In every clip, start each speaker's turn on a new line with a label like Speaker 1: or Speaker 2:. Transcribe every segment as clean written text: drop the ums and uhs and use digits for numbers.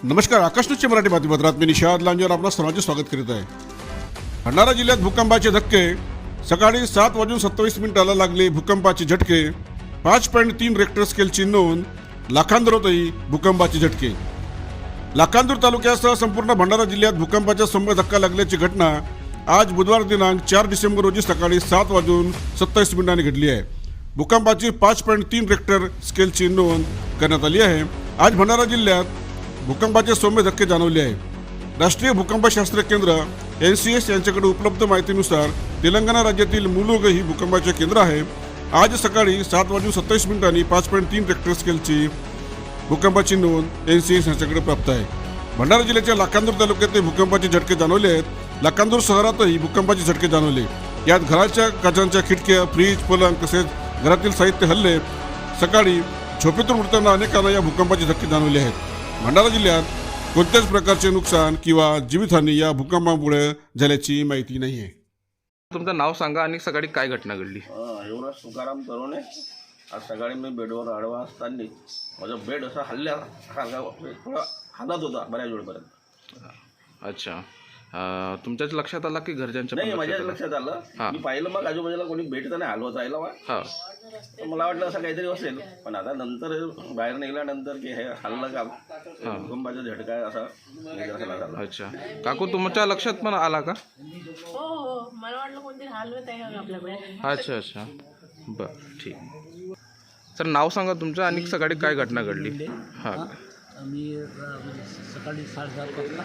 Speaker 1: नमस्कार, आकाश न्यूजच्या मराठी बातमीपत्रात मी निशाद लांजेवर आपलं सर्वांचे स्वागत करीत आहे. भंडारा जिल्ह्यात भूकंपाचे धक्के. सकाळी 7:27 लागले भूकंपाचे झटके. 5.3 रेक्टर स्केलची नोंद. लाखांदूरतही भूकंपाचे झटके. लाखांदूर तालुक्यासह संपूर्ण भंडारा जिल्ह्यात भूकंपाचा सौम्य धक्का लागल्याची घटना आज बुधवार दिनांक 4 डिसेंबर रोजी सकाळी 7:27 घडली आहे. भूकंपाची 5.3 रेक्टर स्केलची नोंद करण्यात आली आहे. आज भंडारा जिल्ह्यात भूकंपाचे सौम्य धक्के जाणवले आहे. राष्ट्रीय भूकंपशास्त्र केंद्र NCS यांच्याकडे उपलब्ध माहितीनुसार तेलंगणा राज्यातील मुलुगु ही भूकंपाचे केंद्र आहे. आज सकाळी 7:27 5.3 रेक्टर स्केलची भूकंपाची नोंद NCS यांच्याकडे प्राप्त आहे. भंडारा जिल्ह्याच्या लाखांदूर तालुक्यात भूकंपाचे झटके जाणवले आहेत. लाखांदूर शहरातही भूकंपाचे झटके जाणवले. यात घराच्या काचांच्या खिडक्या, फ्रीज, पलंग तसेच घरातील साहित्य हल्ले. सकाळी झोपेतून उठताना अनेकांना या भूकंपाचे धक्के जाणवले आहेत. भंडारा जिल्ह्यात कोणत्याच प्रकारचे नुकसान किंवा जीवितहानी या भूकंपामुळे झाल्याची माहिती नाही आहे.
Speaker 2: तुमचं नाव सांगा आणि सकाळी काय घटना घडली?
Speaker 3: युवराज तुकाराम तरुणे. आज सकाळी मी बेडवर आडवा असताना माझा बेड असा थोडा हालत होता बऱ्याच वेळपर्यंत.
Speaker 2: अच्छा, तुमच्याच लक्षात आला की घरच्यांच्या
Speaker 3: नाही, माझ्याच लक्षात आलं. मी पाहिलं मग आजूबाजूला कोणी बेड तर नाही हलवत राहिला. तर मला वाटलं असं काहीतरी असेल, पण आता नंतर बाहेर निघाल्यानंतर की हे हल्लं का भूकंपाचा झटका असा निदर्शनास आला.
Speaker 2: अच्छा, काकू तुमच्या लक्षात पण आला का?
Speaker 4: हो, मला वाटलं कोणतरी हलवत आहे आपल्याकडे.
Speaker 2: अच्छा अच्छा, बरं, ठीक. सर नाव सांगा तुमचं आणि सकाळी काय घटना घडली? हां,
Speaker 5: मी सकाळी 7:30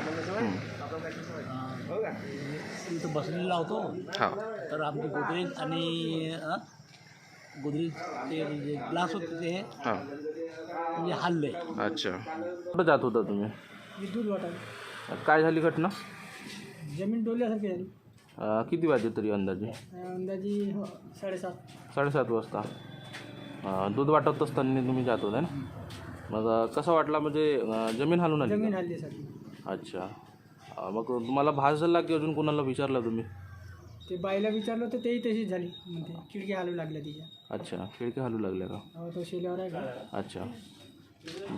Speaker 5: वाजता इथं बसलेला होतो.
Speaker 2: हां,
Speaker 5: तर आमचे गोदरेज आणि गोदरेज ते जे ग्लास होते ते
Speaker 2: हां,
Speaker 5: म्हणजे हल्ले.
Speaker 2: अच्छा. कुठं जात होता तुम्ही?
Speaker 5: दूध वाटायला
Speaker 2: काय झाली घटना?
Speaker 5: जमीन डोलल्यासारखी झाली.
Speaker 2: किती वाजले तरी अंदाजे?
Speaker 5: अंदाजी 7:30.
Speaker 2: 7:30 वाजता. दूध वाटत असताना तुम्ही जात होता ना? मग कसं वाटला, म्हणजे जमीन हलून आली?
Speaker 5: जमीन हल्ल्यासाठी.
Speaker 2: अच्छा, मग तुम्हाला भास झाला की अजून कोणाला विचारलं तुम्ही?
Speaker 5: ते बाईला विचारलं तर तेही तशीच झाली, म्हणते खिडकी हलू लागल्या तिच्या.
Speaker 2: अच्छा, खिडकी हलू लागल्या का?
Speaker 5: तो शेल्यावर आहे का.
Speaker 2: अच्छा.